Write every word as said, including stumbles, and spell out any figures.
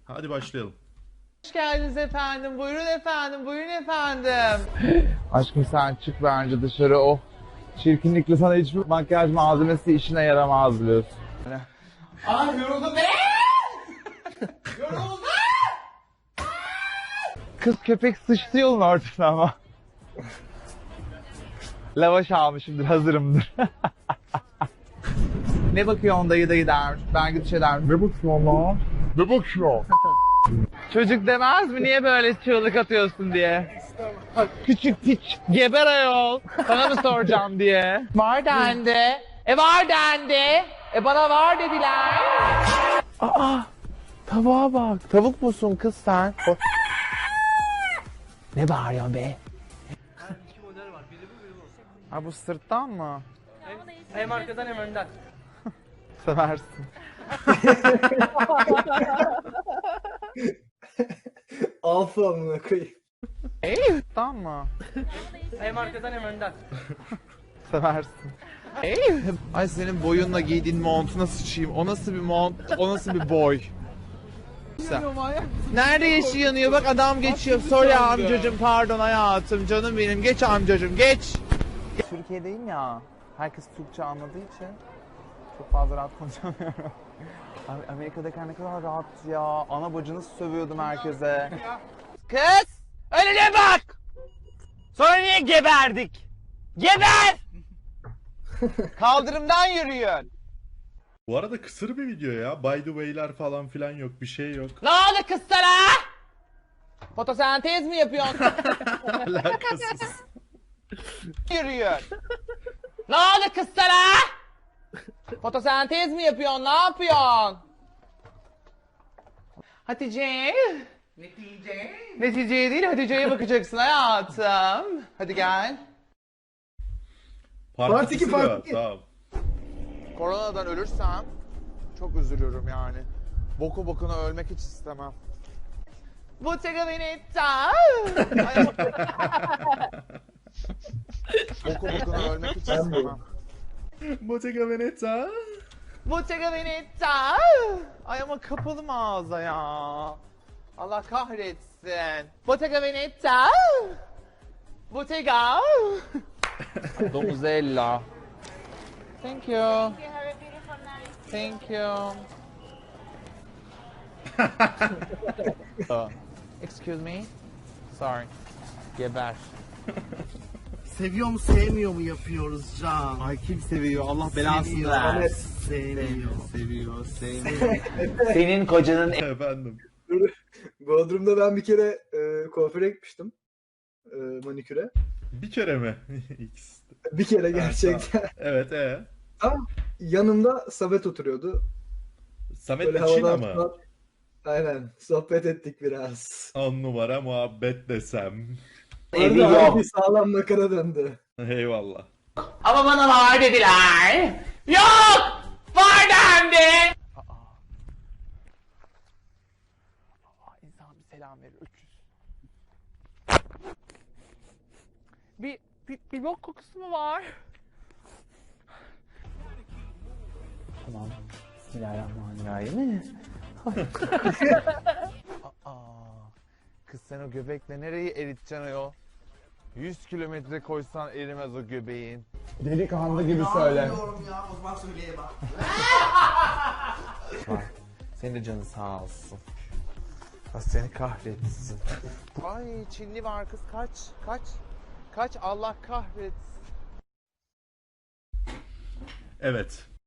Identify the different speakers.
Speaker 1: Hadi başlayalım.
Speaker 2: Hoş geldiniz efendim. Buyurun efendim. Buyurun efendim.
Speaker 3: Aşkım sen çık bence dışarı, o çirkinlikle sana hiçbir makyaj malzemesi işine yaramaz biliyorsun.
Speaker 2: Ay yoruldum be. Yoruldum.
Speaker 3: Kız köpek sıçtı yolun ortasına ama. Lavaş almışımdır, hazırımdır. Ne bakıyorsun dayı dayı dermiş. Ben gidip şey dermiş. Ne bakıyorsun lan? Ne bakıyorsun? Çocuk demez mi niye böyle çığlık atıyorsun diye. Küçük piç geber ayol. Sana mı soracağım diye.
Speaker 2: Var dendi. E var dendi. E bana var dediler.
Speaker 3: Aa, tavuğa bak. Tavuk musun kız sen? Ne bağırıyorsun be?
Speaker 4: İki model var. Biri bu, biri bu.
Speaker 3: Ha bu sırttan mı?
Speaker 4: Hem arkadan hem önden.
Speaker 3: Seversin.
Speaker 5: Alfa amına koyayım.
Speaker 3: Sırttan mı?
Speaker 4: Hem arkadan hem önden.
Speaker 3: Seversin. Ay senin boyunla giydiğin montuna sıçayım. O nasıl bir mont? O nasıl bir boy? Sen. Nerede yeşil yanıyor? Bak adam geçiyor. Sorry amcacım, pardon hayatım, canım benim. Geç amcacım, geç. Türkiye'deyim ya. Herkes Türkçe anladığı için çok fazla rahat konuşamıyorum. Abi Amerika'dayken ne kadar rahat ya. Ana bacını sövüyordum herkese.
Speaker 2: Kız. Önüne bak. Sonra niye geberdik? Geber. Kaldırımdan yürüyün.
Speaker 1: Bu arada kısır bir video ya. By the way'ler falan filan yok. Bir şey yok.
Speaker 2: Ne oldu kız sana? Fotosentez mi yapıyorsun?
Speaker 1: Alakasız.
Speaker 2: Yürüyün. Ne oldu kız sana? Fotosentez mi yapıyorsun? Ne yapıyorsun? Hatice. Netice. Neticeye değil, Hatice'ye bakacaksın hayatım. Hadi gel.
Speaker 1: Part
Speaker 5: Part iki,
Speaker 1: ikisi
Speaker 5: part
Speaker 1: de var,
Speaker 5: iki.
Speaker 1: Tamam.
Speaker 3: Koronadan ölürsem çok üzülürüm yani. Boku bokuna ölmek hiç istemem.
Speaker 2: Bottega Veneta.
Speaker 3: Boku bokuna ölmek hiç istemem.
Speaker 1: Bottega Veneta.
Speaker 2: Bottega Veneta. Ay ama kapalı mağaza ya. Allah kahretsin. Bottega Veneta. Bottega.
Speaker 3: Domuzella.
Speaker 2: Thank you. Thank you. Uh, excuse me. Sorry. Geber.
Speaker 6: Seviyor mu sevmiyor mu yapıyoruz Can?
Speaker 3: Ay kim seviyor? Allah
Speaker 6: Seviyor, evet, sevmiyor.
Speaker 3: Seviyor, sevmiyor.
Speaker 2: Senin kocanın
Speaker 1: Efendim.
Speaker 5: Bodrum'da ben bir kere e, kuaföre gitmiştim. E, maniküre.
Speaker 1: Bir kere mi? İkisi de.
Speaker 5: Bir kere gerçekten.
Speaker 1: Evet e.
Speaker 5: Tam yanımda Samet oturuyordu.
Speaker 1: Samet
Speaker 5: Böyle
Speaker 1: için
Speaker 5: havadan
Speaker 1: ama.
Speaker 5: falan- Aynen. Sohbet ettik biraz.
Speaker 1: On numara muhabbet desem.
Speaker 2: evi
Speaker 5: Orada
Speaker 2: yok.
Speaker 5: bir sağlam nakara döndü.
Speaker 1: Eyvallah.
Speaker 2: Ama bana var dediler. Yok! Var dendi.
Speaker 3: Aa, insan bir selam verir. Öküz. Bir, bir, bir bok kokusu mu var? Tamam. Bismillahirrahmanirrahim. Aa, kız sen o göbekle nereyi eriteceksin ayol? yüz kilometre koysan erimez o göbeğin. Delikanlı gibi söyle.
Speaker 6: Diyorum ya, o zaman söyleye bak.
Speaker 3: Bak, senin de canın sağ olsun. Allah seni kahretsin. Ay Çinli var kız, kaç, kaç, kaç, Allah kahretsin.
Speaker 1: Evet.